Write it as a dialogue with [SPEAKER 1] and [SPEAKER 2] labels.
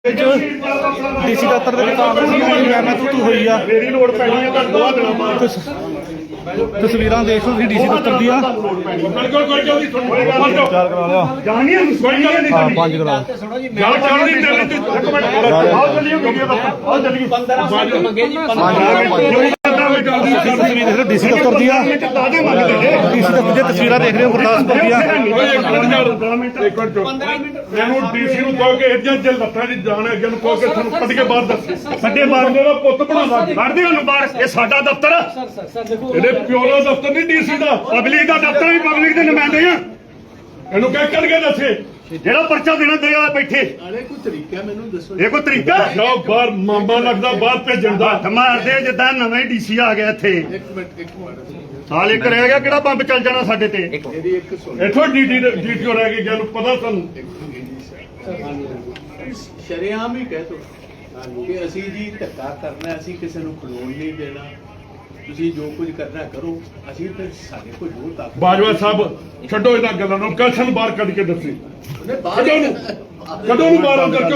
[SPEAKER 1] DC ਦਫ਼ਤਰ ਦੇ ਵਿੱਚ ਮੈਂ ਤੂੰ ਹੋਈ ਆ
[SPEAKER 2] ਮੇਰੀ ਲੋੜ ਪੈਣੀ ਹੈ ਤਾਂ ਦੋ ਦਿਨਾਂ ਬਾਅਦ
[SPEAKER 1] ਤਸਵੀਰਾਂ ਦੇਖ ਲਓ ਤੁਸੀਂ ਡੀਸੀ ਦਫ਼ਤਰ ਦੀਆਂ
[SPEAKER 2] ਕੋਈ ਜਲਦੀ
[SPEAKER 1] ਚਾਰ ਕਰਾ ਲਿਆ
[SPEAKER 2] ਜਾਣੀ ਹੈ ਕੋਈ ਗੱਲ ਨਹੀਂ
[SPEAKER 1] ਹਾਂ ਪੰਜ ਕਰਾ
[SPEAKER 2] ਗੱਲ ਚੱਲਦੀ ਚੱਲਦੀ ਇੱਕ ਮਿੰਟ ਆਓ ਚੱਲੀਏ ਵੀਡੀਓ ਦਾ ਆਓ ਚੱਲੀਏ 15 ਮੰਗੇ ਜੀ 15
[SPEAKER 1] ਤਸਵੀਰ ਦੇਖ ਲਓ ਡੀਸੀ ਦਫ਼ਤਰ ਦੀਆਂ
[SPEAKER 2] ਦਾਦੇ ਮੰਗਦੇ ਨੇ
[SPEAKER 1] ਡੀਸੀ ਦਫ਼ਤਰ ਦੀਆਂ ਤਸਵੀਰਾਂ ਦੇਖ ਰਹੇ ਹੋ ਗੁਰਦਾਸਪੁਰ ਦੀਆਂ
[SPEAKER 2] ਮੈਨੂੰ ਡੀਸੀ ਨੂੰ ਕਹੋ ਕਿ ਇੱਜਾ ਜੇ ਲੱਤਾਂ ਦੀ ਜਾਣ ਅੱਗੇ ਨੂੰ ਕਹੋ ਕਿ ਤੁਹਾਨੂੰ ਕੱਢ ਕੇ ਬਾਹਰ ਦੱਸ ਸਾਡੇ ਬਾਰਦੇ ਦਾ ਪੁੱਤ ਬਣਾਉਂਦਾ ਕੱਢਦੇ ਉਹਨੂੰ ਬਾਹਰ ਇਹ ਸਾਡਾ ਦਫ਼ਤਰ ਆ ਇਹਦੇ ਪਿਓ ਦਾ ਦਫ਼ਤਰ ਨਹੀਂ ਡੀਸੀ ਦਾ ਪਬਲਿਕ ਦਾ ਦਫ਼ਤਰ ਵੀ ਪਬਲਿਕ ਦੇ ਨੁਮਾਇੰਦੇ ਆ ਇਹਨੂੰ ਕਹਿ ਕੱਢ ਕੇ ਦੱਸੇ ਜਿਹੜਾ ਪਰਚਾ ਦੇਣਾ ਦੇ ਆ ਬੈਠੇ
[SPEAKER 3] ਅਰੇ ਕੋਈ ਤਰੀਕਾ ਮੈਨੂੰ ਦੱਸੋ
[SPEAKER 2] ਇਹ ਕੋਈ ਤਰੀਕਾ ਜਾਓ ਬਾਹਰ ਮਾਮਾ ਲੱਗਦਾ ਬਾਹਰ ਭੇਜਣ ਦਾ ਹੱਥ ਮਾਰਦੇ ਜਿੱਦਾਂ ਨਵੇਂ ਡੀਸੀ ਆ ਗਿਆ ਇੱਥੇ
[SPEAKER 3] ਇੱਕ ਮਿੰਟ
[SPEAKER 2] ਸਾਲ ਇੱਕ ਰਹਿ ਗਿਆ ਕਿਹੜਾ ਬੰਬ ਚੱਲ ਜਾਣਾ ਸਾਡੇ ਤੇ
[SPEAKER 3] ਇਹਦੀ ਇੱਕ ਸੁਣ
[SPEAKER 2] ਇੱਥੋਂ ਡੀਟੀਓ ਰਹਿ ਗਈ ਜਿਹਨੂੰ ਪਤਾ ਤੁਹਾਨੂੰ
[SPEAKER 3] ਸ਼ਰੇਆਮ ਹੀ ਕਹਿ ਤੋ ਕਿ ਅਸੀਂ ਜੀ ਧੱਕਾ ਕਰਨਾ ਅਸੀਂ ਕਿਸੇ ਨੂੰ ਖਲੋਣ ਨਹੀਂ ਦੇਣਾ ਤੁਸੀਂ ਜੋ ਕੁਝ ਕਰਨਾ ਕਰੋ ਅਸੀਂ ਤੇ ਸਾਡੇ ਕੋਲ ਜੋ ਤਾਕਤ
[SPEAKER 2] ਬਾਜਵਾ ਸਾਹਿਬ ਛੱਡੋ ਇਹਨਾਂ ਗੱਲਾਂ ਨੂੰ ਕਸ਼ਨ ਬਾਹਰ ਕੱਢ ਕੇ ਦੱਸੀ
[SPEAKER 3] ਉਹਨੇ ਬਾਹਰ
[SPEAKER 2] ਕਦੋਂ ਨੂੰ ਬਾਹਰ ਅੰਦਰ